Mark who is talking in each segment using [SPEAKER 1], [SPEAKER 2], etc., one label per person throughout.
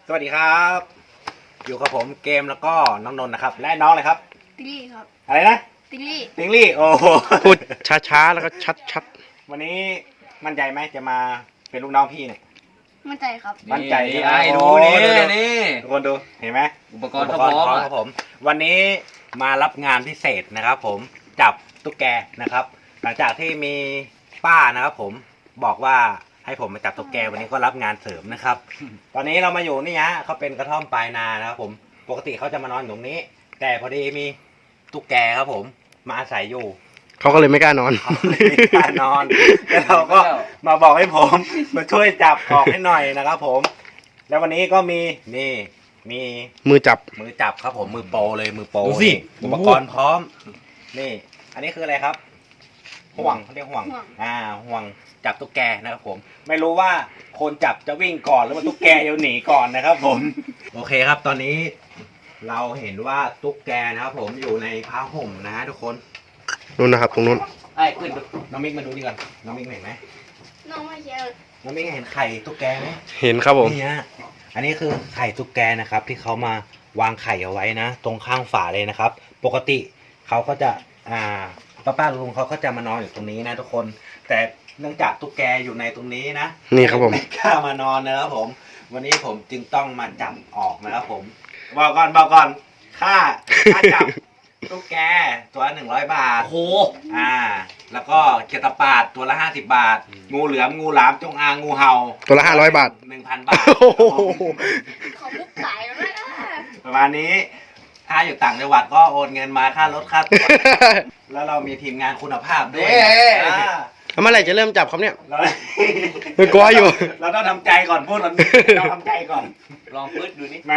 [SPEAKER 1] สวัสดีครับอยู่กับผมเกมแล้วก็น้องนนท์นะครับและน้องอะไรครับ
[SPEAKER 2] ติลลี่ครับ
[SPEAKER 1] อะไรนะ
[SPEAKER 2] ติลลี่
[SPEAKER 1] ติงลี่โอ้โห
[SPEAKER 3] พูดช้าๆแล้วก็ชัด
[SPEAKER 1] วันนี้มั่นใจไหมจะมาเป็นลูกน้องพี่เนี่ย
[SPEAKER 2] มั่นใจครับ
[SPEAKER 1] มั่นใจ
[SPEAKER 4] นี่
[SPEAKER 1] ใช่ไหม
[SPEAKER 4] ไอ้ดู
[SPEAKER 1] โอ้
[SPEAKER 4] นี่
[SPEAKER 1] นี่
[SPEAKER 4] นี่
[SPEAKER 1] ทุกคนดูเห็นไหม
[SPEAKER 4] อุปกรณ์พร้อม
[SPEAKER 1] ครับผมวันนี้มารับงานพิเศษนะครับผมจับตุ๊กแกนะครับหลังจากที่มีป้านะครับผมบอกว่าให้ผมมาจับตุ๊กแกวันนี้ก็รับงานเสริมนะครับ ตอนนี้เรามาอยู่นี่ฮะเขาเป็นกระท่อมปลายนานะครับผมปกติเขาจะมานอนอยู่ตรงนี้ แต่พอดีมีตุ๊กแกครับผมมาอาศัยอยู่
[SPEAKER 3] ๆเขาก็เลยไม่กล้านอน
[SPEAKER 1] เขาเลยไม่กล้านอนแล้วเราก็มาบอกให้ผมมาช่วยจับออกให้หน่อยนะครับผม แล้ววันนี้ก็มีนี่มี
[SPEAKER 3] มือจับ
[SPEAKER 1] มือจับครับผมมือโปรเลยมือโปร
[SPEAKER 4] ดูสิ
[SPEAKER 1] นี่อุปกรณ์พร้อม นี่ อันนี้คืออะไรครับ ห่วงเขาเรียกห่วงห่วงจับตุ๊กแกนะครับผม ไม่รู้ว่าคนจับจะวิ่งก่อนหรือว่าตุ๊กแกจะหนีก่อนนะครับผม โอเคครับ ตอนนี้ เราเห็นว่าตุ๊กแกนะครับผมอยู่ในผ้าห่มนะทุกคน
[SPEAKER 3] นู่นนะครับตรงนู้น
[SPEAKER 1] ไอ้ขึ้นน้องมิกมาดูนี่ก่อนน้องมิกเห็นไหม
[SPEAKER 2] น้องไม่เชียร์
[SPEAKER 1] น้องมิกเห็นไข่ตุ๊กแกไหม
[SPEAKER 3] เห็นครับผม
[SPEAKER 1] นี่ฮะอันนี้คือไข่ตุ๊กแกนะครับ ที่เขามาวางไข่เอาไว้นะ ตรงข้างฝาเลยนะครับ ปกติเขาก็จะป้าลุงเขาก็จะมานอนอยู่ตรงนี้นะทุกคน แต่เนื่องจากตุ๊กแกอยู่ในตรงนี้นะ
[SPEAKER 3] นี่ครับผม
[SPEAKER 1] ไม่กล้ามานอนนะครับผม วันนี้ผมจึงต้องมาจับออกนะครับผมบอกก่อนค่าจับตุ๊กแกตัว100 บาท
[SPEAKER 4] โอ้โห
[SPEAKER 1] แล้วก็เขียดตะปาดตัวละ50 บาท งูเหลือมงูหลามจงอางงูเห่า
[SPEAKER 3] ตัวละ500 บาท
[SPEAKER 1] 1,000 บาท
[SPEAKER 3] โอ้โห
[SPEAKER 2] ขอมุกสายแล้วนะ
[SPEAKER 1] ประมาณนี้ ถ้าอยู่ต่างจังหวัดก็โอนเงินมาค่ารถค่าตั๋ว แล้วเรามีทีมงานคุณภาพด้วยอ่า
[SPEAKER 3] แล้วเมื่อไหร่จะเริ่มจับครับเนี่ย
[SPEAKER 1] เรา
[SPEAKER 3] ไม่กลัวอยู่
[SPEAKER 1] เราต้องทำใจก่อนพูดเราต้องทำใจก่อน
[SPEAKER 4] ลองปื๊ดดูนี่
[SPEAKER 1] มา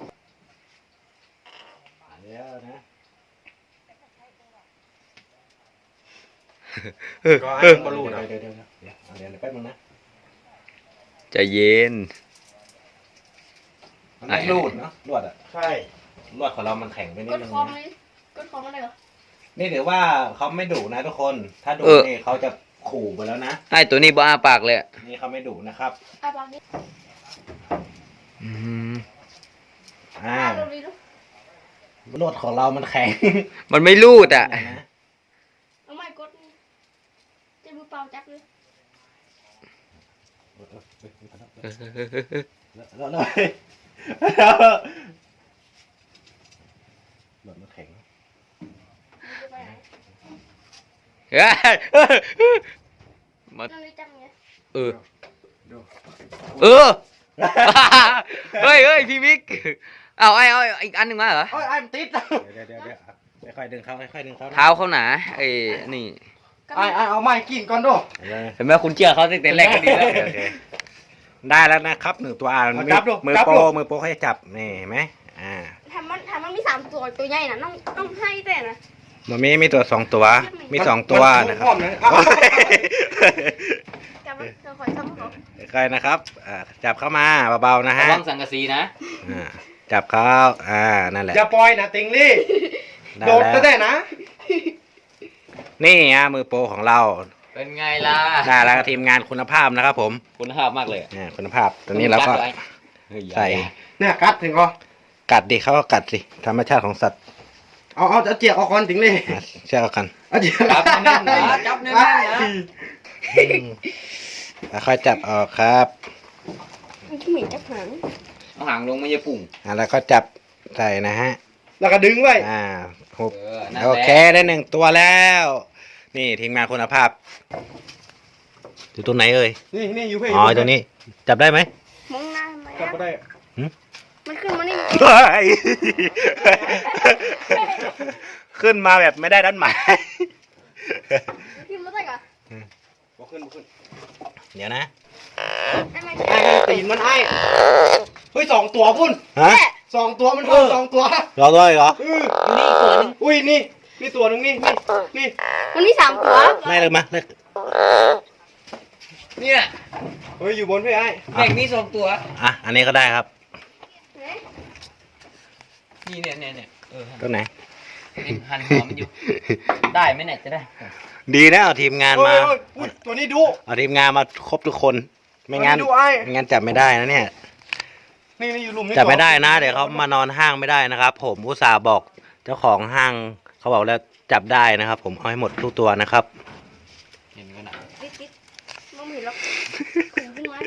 [SPEAKER 1] เดี๋ยวนะ ก็ให้มันบอลลูนเดี๋ยวแป๊บนึงนะ
[SPEAKER 4] ใจเย็น
[SPEAKER 1] มันไม่รูดเนาะลวดอ่ะ
[SPEAKER 3] ใช่
[SPEAKER 1] ลวดของเรามันแข็งไปนิ
[SPEAKER 2] ก
[SPEAKER 1] ด
[SPEAKER 2] ด
[SPEAKER 1] นึง
[SPEAKER 2] คอม
[SPEAKER 1] นะ
[SPEAKER 2] เลยกดคอมอะไรเหรอ
[SPEAKER 1] นี่ถือว่าเขาไม่ดุนะทุกคน ถ้าดุนี่เขาจะขู่ไปแล้วนะ
[SPEAKER 4] ไอ้ตัวนี้บ้าปากเลย
[SPEAKER 1] นี่เขาไม่ดุนะครับ
[SPEAKER 2] บางนี้
[SPEAKER 1] อ่า
[SPEAKER 2] ดูดิดู
[SPEAKER 1] ลวดของเรามันแข็ง
[SPEAKER 4] มันไม่รูดอ่ะ
[SPEAKER 2] เอาไม่กดจะมือเปล่าจับเลย
[SPEAKER 1] แล้วลวดมันแข็ง
[SPEAKER 2] จะไปไหน
[SPEAKER 4] มา
[SPEAKER 2] นั่งเลยจังไง
[SPEAKER 4] เออเฮ้ยพี่มิกเอาอีกอันหนึ่งมาเหรอ
[SPEAKER 1] โอ้ยไอ้มันติดเดี๋ยวค่อยดึงเขาค่อยดึงเขา
[SPEAKER 4] เท้าเขาหนาไอ้นี่
[SPEAKER 1] ไอ้เอาไม้กินก่อนดู
[SPEAKER 4] เห็นไหมคุณเชื่อเขาตั้งแต่แรกก็ดีแล้ว
[SPEAKER 1] ได้แล้วนะครับ1 ตัวมือโปรเขาจะจับนี่เห็นไหม
[SPEAKER 2] ทำมันมี3 ตัวใหญ่นะต้องให้แต่นะ
[SPEAKER 1] มันมีตัว2 ตัวมี2 ตัวนะครับ
[SPEAKER 2] จับมันจะคอยทำเขา
[SPEAKER 1] ค่อยนะครับจับเข้ามาเบาๆนะ
[SPEAKER 4] ระ
[SPEAKER 1] ฮะ
[SPEAKER 4] วังสังกะสีนะ
[SPEAKER 1] จับเขานั่นแหละ
[SPEAKER 3] อย่าปล่อยนะติงลี่
[SPEAKER 1] ได้
[SPEAKER 3] โดด
[SPEAKER 1] แล้ว
[SPEAKER 3] ได้นะ
[SPEAKER 1] นี่มือโปรของเรา
[SPEAKER 4] เป็นไงล่ะ
[SPEAKER 1] ได้แล้วทีมงานคุณภาพนะครับผม
[SPEAKER 4] คุณภาพมากเลย
[SPEAKER 1] คุณภาพตัวนี้เราก็ใส่
[SPEAKER 3] เนี่ยกัดถึงก็
[SPEAKER 1] กัดดิเขาก็กัดสิธรรมชาติของสัตว์
[SPEAKER 3] เอาเจียกออกก่อนติงลี่
[SPEAKER 1] เชื่อกัน
[SPEAKER 3] เอาเจียก
[SPEAKER 4] จับแน่นๆนะจับแน่นๆนะ
[SPEAKER 1] ค่อยจับออกครับ
[SPEAKER 2] มันขี้หมิ่นจับหาง
[SPEAKER 4] เอาหางลงไม่ใช่ปุ่ง
[SPEAKER 1] แล้วก็จับใส่นะฮะ
[SPEAKER 3] แล้วก็ดึงไว้
[SPEAKER 1] หุบ
[SPEAKER 4] นั่น
[SPEAKER 1] โอ
[SPEAKER 4] แหละ
[SPEAKER 1] เคได้1 ตัวแล้ว นี่ทีมงานคุณภาพอยู่ตรงไหนเอ่ย
[SPEAKER 3] นี่อยู่เพ่
[SPEAKER 1] อ๋อตรงนี้จับได้ไหม
[SPEAKER 2] มองหน้าทำไม
[SPEAKER 3] จับก็ได้
[SPEAKER 2] มันขึ้นมานี่
[SPEAKER 1] ขึ้นมาแบบไม่ได้ด้านหมาย
[SPEAKER 2] ขึ้นมาได้ก่อน
[SPEAKER 3] บ่ขึ้น
[SPEAKER 1] เดี๋ยวนะ
[SPEAKER 2] ได้ไหม
[SPEAKER 3] ไอ้ตีนมันไอ้เฮ้ย2 ตัวพุ่น
[SPEAKER 1] ฮะ
[SPEAKER 3] 2 ตัวมันพุ่น2 ตัว
[SPEAKER 1] รอด้วยเหรอ
[SPEAKER 4] นี่อีกตัวหนึง
[SPEAKER 3] อุ้ยนี่ตัวหนึงนี่
[SPEAKER 2] มันมี3 ตัว
[SPEAKER 1] ไล่เลยมาเลย
[SPEAKER 4] เนี่ย
[SPEAKER 3] เฮ้ยอยู่บนพี่ไอ้
[SPEAKER 4] แบ่งนี่2 ตัว
[SPEAKER 1] อันนี้ก็ได้ครับ
[SPEAKER 4] นี่เนี่ย
[SPEAKER 1] ตัวไหน
[SPEAKER 4] หันหัวมันอยู่ ได้ไหมเนี่ยจะได้
[SPEAKER 1] ดีนะเอาทีมงานมา
[SPEAKER 3] อุ้ยตัวนี้ดุ
[SPEAKER 1] เอาทีมงานมาครบทุกคน ไม่งั้น
[SPEAKER 3] ดูไอ้
[SPEAKER 1] ไม่งั้นจับไม่ได้นะเนี่ย
[SPEAKER 3] นี่อยู่หลุมนี่
[SPEAKER 1] จับไม่ได้นะ เดี๋ยวเขามานอนห้างไม่ได้นะครับ ผมอุตส่าห์บอกเจ้าของห้างเขาบอกแล้วจับได้นะครับ ผมเอาให้หมดทุกตัวนะครับ
[SPEAKER 4] เห็นกันนะ
[SPEAKER 2] ติดมองไม่เห็นหรอกขุนขึ้นมา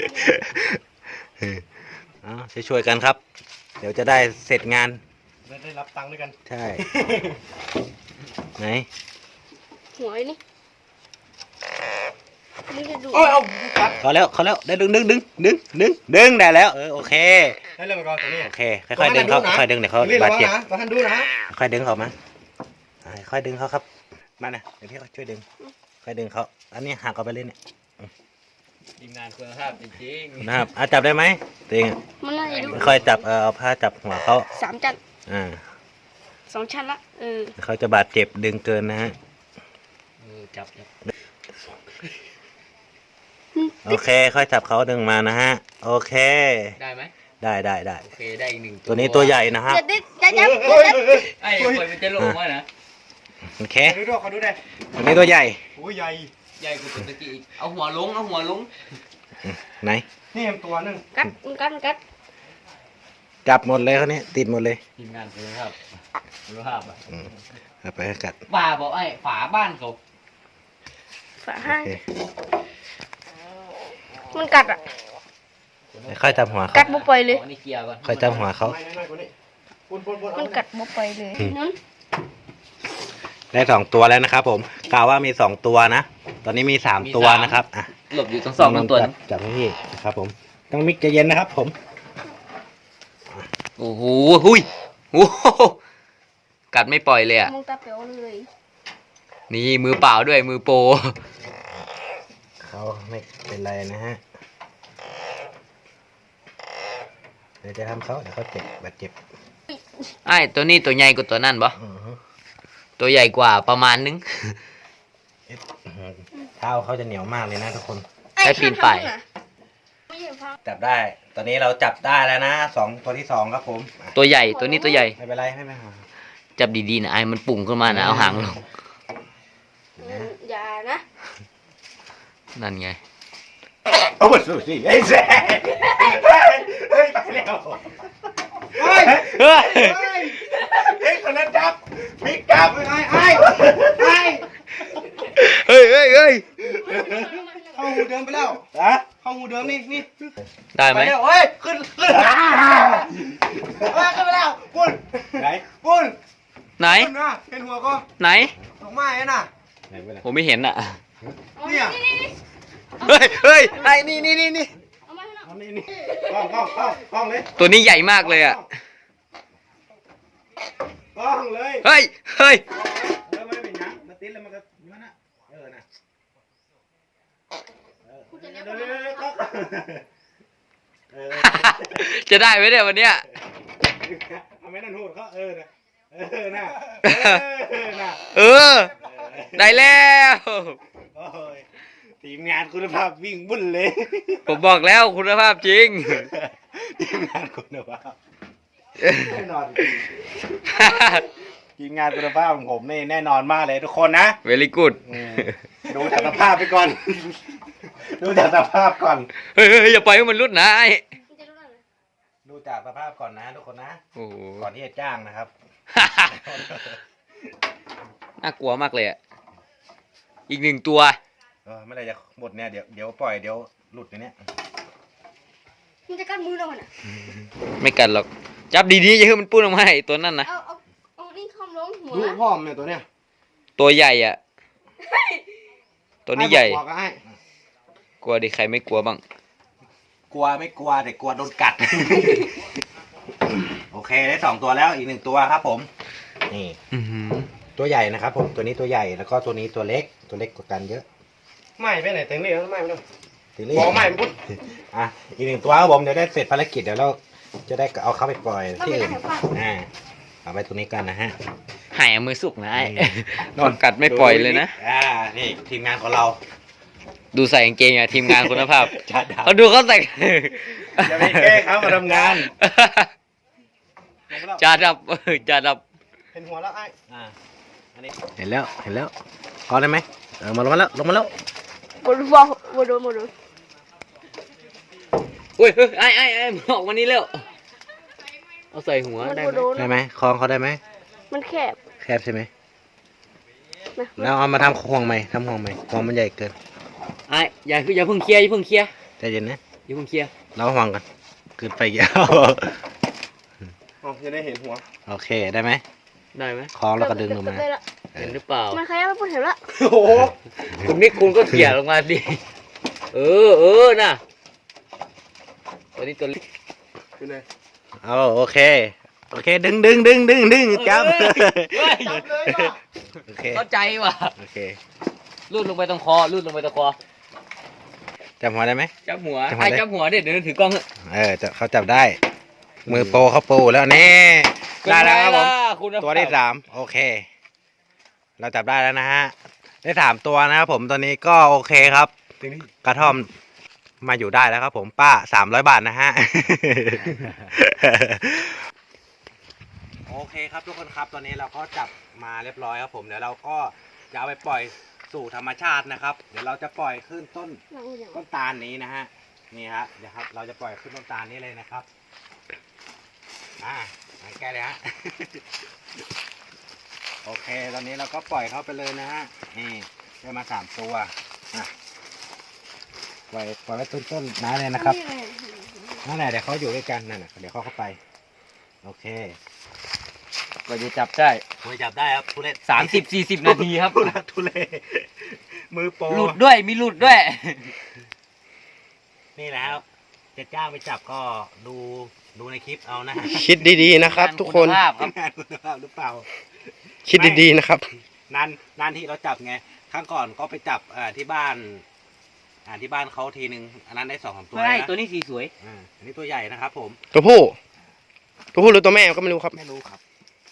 [SPEAKER 1] ช่วยๆกันครับ เดี๋ยวจะได้เสร็จงาน
[SPEAKER 3] ได้รับตังค์ด้วยกัน
[SPEAKER 1] ใช่ ไหน
[SPEAKER 2] หัวไอ้นี่มึงจะดู
[SPEAKER 3] โอ้ยเอากัด
[SPEAKER 1] เขาแล้วได้ดึงได้แล้วโอเค
[SPEAKER 3] ให้เรื่องมันก่อนตัวนี้
[SPEAKER 1] โอเคค่อยๆดึงเขาค่อยๆดึงเดี๋ยวเขา
[SPEAKER 3] รีบ
[SPEAKER 1] บา
[SPEAKER 3] ระ
[SPEAKER 1] ด
[SPEAKER 3] วัง
[SPEAKER 1] เจ็บ
[SPEAKER 3] นะตัวท่านดูนะ
[SPEAKER 1] ค่อยดึงเขามาค่อยดึงเขาครับมานะเดี๋ยวพี่ช่วยดึงค่อยดึงเขาอันนี้หักเอาไปเลยเนี่ย
[SPEAKER 4] ทีมงานคุณภาพจริง
[SPEAKER 1] นะครับจับได้ไหมตัวเอง
[SPEAKER 2] มันน่าจะดู
[SPEAKER 1] ค่อยจับเอาผ้าจับหัวเขา
[SPEAKER 2] 3 ชั้น
[SPEAKER 1] 2
[SPEAKER 2] ชั้นละ
[SPEAKER 1] เขาจะบาดเจ็บดึงเกินนะฮะ
[SPEAKER 4] จับ
[SPEAKER 1] โอเคค่อยจับเขาดึงมานะฮะโอเค
[SPEAKER 4] ได้ไหม
[SPEAKER 1] ได้
[SPEAKER 4] โอเคได้อีกหนึ่ง
[SPEAKER 1] ตัวนี้ตัวใหญ่นะฮะ
[SPEAKER 2] อย่าติดอย่าจับ
[SPEAKER 3] เฮ้ย
[SPEAKER 4] ไอ้คนมันจะลงวะนะ
[SPEAKER 1] โอเค
[SPEAKER 3] ดูด้วยเขาดูได้
[SPEAKER 1] ตัวนี้ตัวใหญ่
[SPEAKER 3] โอ้ยใหญ่
[SPEAKER 4] ใหญ่กว่าตัวตะกี้อีกเอาหัวลง
[SPEAKER 1] ไหน
[SPEAKER 3] นี่ตัวนึง
[SPEAKER 2] กัด
[SPEAKER 1] จับหมดเลยเขานี้ติดหมดเลย
[SPEAKER 4] ทีมงานคุณภาพอ่ะ
[SPEAKER 1] เอาไปให้กัด
[SPEAKER 4] ป่าบอกไอ้ฝาบ้านเขา
[SPEAKER 2] ฝาให้
[SPEAKER 1] โอเค
[SPEAKER 2] มันกัดอ่ะ
[SPEAKER 1] ค่อยจับหัวเขา
[SPEAKER 2] กัดบ่ปล่อยเลย
[SPEAKER 4] ขอนี่เกียร์ก่อน
[SPEAKER 1] ค่อยจับหัวเขา
[SPEAKER 3] ไม่น้อยกว่านี้ปุ่น
[SPEAKER 2] มันกัดบ่ปล่อยเลยนั่น
[SPEAKER 1] ได้2 ตัวแล้วนะครับผมกล่าวว่ามี2 ตัวนะตอนนี้มี3 ตัวนะครับอ่ะ
[SPEAKER 4] หลบอยู่ตรงซองตัวนึง
[SPEAKER 1] จับให้พี่นะครับผมต้องมิกใจเย็นนะครับผม
[SPEAKER 4] โอ้โหหุยโอ้โหกัดไม่ปล่อยเลยอ่ะ
[SPEAKER 2] มองตาเป๋วเลย
[SPEAKER 4] นี่มือเปล่าด้วยมือโปร
[SPEAKER 1] เขาไม่เป็นไรนะฮะเดี๋ยวจะทำเขาเดี๋ยวเขาเจ็บบาดเจ็บ
[SPEAKER 4] ไอ้ตัวนี้ตัวใหญ่กว่าตัวนั่นปะ
[SPEAKER 1] อือฮึ
[SPEAKER 4] ตัวใหญ่กว่าประมาณนึง
[SPEAKER 1] เท้าเขาจะเหนียวมากเลยนะทุกคน
[SPEAKER 4] ใช้ปีนป่าย
[SPEAKER 2] ไม่ใช่พัง
[SPEAKER 1] จับได้ ตอนนี้เราจับได้แล้วนะตัวที่ 2ครับผมอ่ะ
[SPEAKER 4] ตัวใหญ่ตัวนี้ตัวใหญ่
[SPEAKER 1] ไม่เป็นไรไม่เป็นไร
[SPEAKER 4] จับดีๆนะไอ้มันปุ่งขึ้นมานะเอาหางลง
[SPEAKER 2] อย่านะ
[SPEAKER 4] นั่นไง
[SPEAKER 1] โอ้สุดสิไอ้แซ่เฮ้ยไปแล้ว
[SPEAKER 3] เฮ้ย
[SPEAKER 4] เฮ้ย
[SPEAKER 1] เฮ้ยคนนั้นจับมิกจับ
[SPEAKER 3] ไอ้
[SPEAKER 1] เฮ้ย
[SPEAKER 4] เฮ้ย
[SPEAKER 3] เข้าหูเดิมไปแล้ว
[SPEAKER 1] ฮะ
[SPEAKER 3] เข้าหูเดิมนี่
[SPEAKER 4] ได้ไหม
[SPEAKER 3] ไปแล้วเฮ้ยขึ้นขึ้นไปแล้วปุ่น
[SPEAKER 1] ไหน
[SPEAKER 3] ปุ่น
[SPEAKER 4] ไหน
[SPEAKER 3] ปุ่นนะเห็นหัวก็
[SPEAKER 4] ไหน
[SPEAKER 3] ดอกไม้น่ะ
[SPEAKER 1] ไหนไปไหน
[SPEAKER 4] ผมไม่เห็นอ่ะ
[SPEAKER 3] เนี่ย
[SPEAKER 4] เฮ้ยไอ้นี่
[SPEAKER 2] เอามาให้หน่อย
[SPEAKER 1] เอานี่กล้องเลย
[SPEAKER 4] ตัวนี้ใหญ่มากเลยอ่ะ
[SPEAKER 3] กล้องเลย
[SPEAKER 4] เฮ้ย
[SPEAKER 1] แล้วมันเป็นยังมาติดแล้วมันก็ย้อนนะนะ
[SPEAKER 2] คุณจะเรียก
[SPEAKER 1] เดี๋ยว
[SPEAKER 2] ว่า
[SPEAKER 4] จะได้ไหมเนี่ยวันเนี้ย
[SPEAKER 1] เอาไม่นั่นหูดเขานะน่ะน่ะ
[SPEAKER 4] เออ ได้แล้ว
[SPEAKER 1] โอ้ยทีมงานคุณภาพวิ่งบุ่นเลย
[SPEAKER 4] ผมบอกแล้วคุณภาพจริง
[SPEAKER 1] ทีมงานคุณภาพแน่นอนทีมงานคุณภาพของผมนี่แน่นอนมากเลยทุกคนนะ
[SPEAKER 4] very good
[SPEAKER 1] ดูจากสภาพไปก่อน ดูจากสภาพก่อน
[SPEAKER 4] เฮ้ยอย่าปล่อยให้มันรุดนะไอ้
[SPEAKER 2] คุณจะรู้ได้ไหม
[SPEAKER 1] ดูจากสภาพก่อนนะทุกคนนะ
[SPEAKER 4] โอ้โห
[SPEAKER 1] ก่อนที่จะจ้างนะครับ
[SPEAKER 4] น่ากลัวมากเลยอ่ะ อีกหนึ่งตัว
[SPEAKER 1] เมื่อไรจะหมดเนี่ยเดี๋ยวปล่อยเดี๋ยวหลุดในเนี้ย
[SPEAKER 2] มันจะกัดมือเราน่ะ
[SPEAKER 4] ไม่กัดหรอก จับดีๆอย่าให้มันปุ้นออกมาไอ้ตัวนั่นนะ
[SPEAKER 2] เอานี่คอมลงหัว
[SPEAKER 3] ดูพ่อมเนี่ยตัวเนี้ย
[SPEAKER 4] ตัวใหญ่อ่ะ ตัวนี้ใหญ่
[SPEAKER 3] กว่าก็ให้
[SPEAKER 4] กลัวดิใครไม่กลัวบ้าง
[SPEAKER 1] กลัวไม่กลัวแต่กลัวโดนกัด โอเคได้2 ตัวแล้วอีก1 ตัวครับผมนี่
[SPEAKER 4] อื้อหือ
[SPEAKER 1] ตัวใหญ่นะครับผมตัวนี้ตัวใหญ่แล้วก็ตัวนี้ตัวเล็กกว่ากันเยอะ
[SPEAKER 3] ไม่ไปไหนเต็งนี่แล้วไม่ไปด้วย
[SPEAKER 1] ทีนี้
[SPEAKER 3] บอกไม่ปุ๊บ
[SPEAKER 1] อ่ะอีก1 ตัวครับผมเดี๋ยวได้เสร็จภารกิจเดี๋ยวเราจะได้เอาเข้าไปปล่อย
[SPEAKER 2] ต้อง
[SPEAKER 1] ที่
[SPEAKER 2] เป็น
[SPEAKER 1] อื่น
[SPEAKER 2] อาหารฝาก
[SPEAKER 1] เอาไปตรงนี้กันนะฮะ
[SPEAKER 4] หายเอามือสุกนะไอ้นอนกัดไม่ปล่อยเลยนะ
[SPEAKER 1] นี่ทีมงานของเรา
[SPEAKER 4] ดูใส่กางเกงอ่ะทีมงานคุณภาพ
[SPEAKER 1] จัดดาว
[SPEAKER 4] เขาดูเขาใส่
[SPEAKER 1] อย่าไปแก้เขามาทำงาน
[SPEAKER 4] จ่าดับจ่าดับ
[SPEAKER 3] เห็นหัวแล้วไอ้
[SPEAKER 1] อันนี้เห็นแล้วพอได้ไหมลงมาแล้ว
[SPEAKER 2] บนวอลบนโดน
[SPEAKER 4] อุ้ยไอ้มันออกมานี่เร็วเอาใส่หัว
[SPEAKER 2] มัน
[SPEAKER 4] ได้
[SPEAKER 2] โด
[SPEAKER 4] ไหม
[SPEAKER 2] น
[SPEAKER 1] ได้ไหมคล้องเขาได้ไหม
[SPEAKER 2] มันแคบ
[SPEAKER 1] แคบใช่ไหม
[SPEAKER 2] นะ
[SPEAKER 1] แล้วเอามาทำห่วงใหม่ทำห่วงใหม่ห่วงมันใหญ่เกิน
[SPEAKER 4] ไอ้อย่าเพิ่งเคลียร์อย่าเพิ่งเคลียร์
[SPEAKER 1] ใจเย็นนะ
[SPEAKER 4] อย่าเพิ่งเคลียร์
[SPEAKER 1] เราห่วงกันเกินไปเยอะ
[SPEAKER 3] อ๋อจะได้เห็นหัว
[SPEAKER 1] โอเคได้ไหม
[SPEAKER 4] ได้ไหม
[SPEAKER 1] คล้องแล้วก็ดึงลงมา
[SPEAKER 2] ได้ละ
[SPEAKER 4] เห็นหรือเปล่า
[SPEAKER 2] มันขยับไปพูดเห็นละ
[SPEAKER 3] โอ้โห
[SPEAKER 4] คุณนิกคุณก็เขี่ยลงมาดิเออน่ะตัวนี้ตัวเล็ก
[SPEAKER 3] คือไง
[SPEAKER 1] เอาโอเคดึงจับ
[SPEAKER 4] เฮ้ย
[SPEAKER 3] จับเลยว่ะ
[SPEAKER 1] โอเค
[SPEAKER 4] เข้าใจว่ะ
[SPEAKER 1] โอเค
[SPEAKER 4] ลูดลงไปตรงคอลูดลงไปตรงคอ
[SPEAKER 1] จับหัวได้ไหม
[SPEAKER 4] จับหัว
[SPEAKER 1] จับหัว
[SPEAKER 4] ไอ้
[SPEAKER 1] ได้
[SPEAKER 4] จับหัวเดี๋ยวถือกล้องเถอะ
[SPEAKER 1] เขาจับได้ มือโปรเขาโปรแล้วแน่ได้แล้วครับผม
[SPEAKER 4] คุณภาพ
[SPEAKER 1] ตัวที่สามโอเค เราจับได้แล้วนะฮะได้สามตัวนะครับผมตัวนี้ก็โอเคครับ
[SPEAKER 3] ถึงนี่
[SPEAKER 1] กระท่อมมาอยู่ได้แล้วครับผมป้า300 บาทนะฮะ โอเคครับทุกคนครับตอนนี้เราก็จับมาเรียบร้อยครับผมเดี๋ยวเราก็จะเอาไปปล่อยสู่ธรรมชาตินะครับ เดี๋ยวเราจะปล่อยขึ้นต้น
[SPEAKER 2] หนังอย่าง
[SPEAKER 1] ต้นตาลนี้นะฮะนี่ฮะเดี๋ยวครับเราจะปล่อยขึ้นต้นตาลนี้เลยนะครับแก้เลยฮะ โอเคตอนนี้เราก็ปล่อยเขาไปเลยนะฮะนี่ได้มา3 ตัวอ่ะปล่อยไว้ต้นๆน้าเลยนะครับนั่นแหละเดี๋ยวเขาอยู่ด้วยกันนั่นน่ะเดี๋ยวเขาเข้าไปโอเค
[SPEAKER 4] กว่าจะจับได้
[SPEAKER 1] มือจับได้ครับทุเรศ
[SPEAKER 4] 30-40 นาทีครับ
[SPEAKER 1] ทุเรศทุเรศมือโปร
[SPEAKER 4] หลุดด้วยมีหลุดด้วย
[SPEAKER 1] นี่แหละครับจะจ้างไปจับก็ดูในคลิปเอานะฮะ
[SPEAKER 3] คิดดีๆนะครับ ทุกคน
[SPEAKER 4] ณภาพครับ
[SPEAKER 1] งานคุณภาพหรือเปล่า
[SPEAKER 3] คิดดีๆนะครับ
[SPEAKER 1] นานที่เราจับไงครั้งก่อนก็ไปจับที่บ้านที่บ้านเขาทีนึงอันนั้นได้2-3 ตัว
[SPEAKER 4] ไม่
[SPEAKER 1] นะ
[SPEAKER 4] ตัวนี้สีสวย
[SPEAKER 1] อันนี้ตัวใหญ่นะครับผม
[SPEAKER 3] ตัวผู้หรือตัวแม่ก็ไม่รู้ครับ
[SPEAKER 1] ไม่รู้ครับ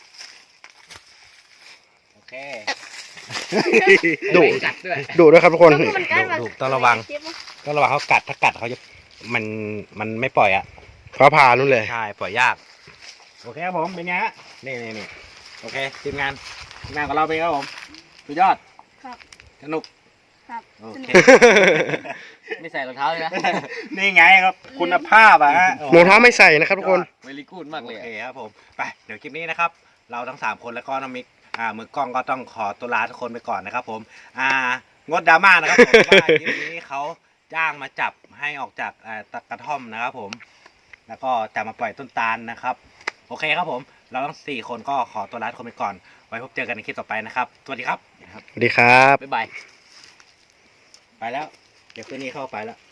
[SPEAKER 1] โอเค
[SPEAKER 3] ดุ
[SPEAKER 4] กัดด้วย
[SPEAKER 3] ดุด้วยครับทุกคน
[SPEAKER 2] มันใกล้มา
[SPEAKER 1] ดูต้องระวัง ก็ระวังเขากัดถ้ากัดเขาจะมันไม่ปล่อยอ่ะ
[SPEAKER 3] ฟ้าผ่านู่นเลย
[SPEAKER 1] ใช่ปล่อยยากโอเคครับผมเป็นไงฮะนี่โอเคทีมงานของเราเป็นไงครับผมสุดยอด
[SPEAKER 2] ครับ
[SPEAKER 1] สนุก
[SPEAKER 2] ครับ
[SPEAKER 1] โอเค
[SPEAKER 4] ไม่ใส่รองเท้าเลยนะ
[SPEAKER 1] นี่ไงครับคุณภาพอ่ะฮะ
[SPEAKER 3] รองเท้าไม่ใส่นะครับทุกคน
[SPEAKER 4] เวลีกูดมากเลย
[SPEAKER 1] โอ
[SPEAKER 4] อะ
[SPEAKER 1] เคครับผมไปเดี๋ยวคลิปนี้นะครับ เราทั้ง3 คนแล้วก็น้องมิกมือกล้องก็ต้องขอตัวลาทุกคนไปก่อนนะครับผมงดดราม่านะครับผมว่าคลิปนี้เขาจ้างมาจับให้ออกจากตะกระท่อมนะครับผมแล้วก็จะมาปล่อยต้นตาลนะครับโอเคครับผมเราทั้ง4 คนก็ขอตัวลาทุกคนไปก่อนไว้พบเจอกันในคลิปต่อไปนะครับสวัสดีครับ
[SPEAKER 3] สวัสดีครับ
[SPEAKER 4] บ๊ายบาย
[SPEAKER 1] ไปแล้วเดี๋ยวคืนนี้เข้าไปแล้ว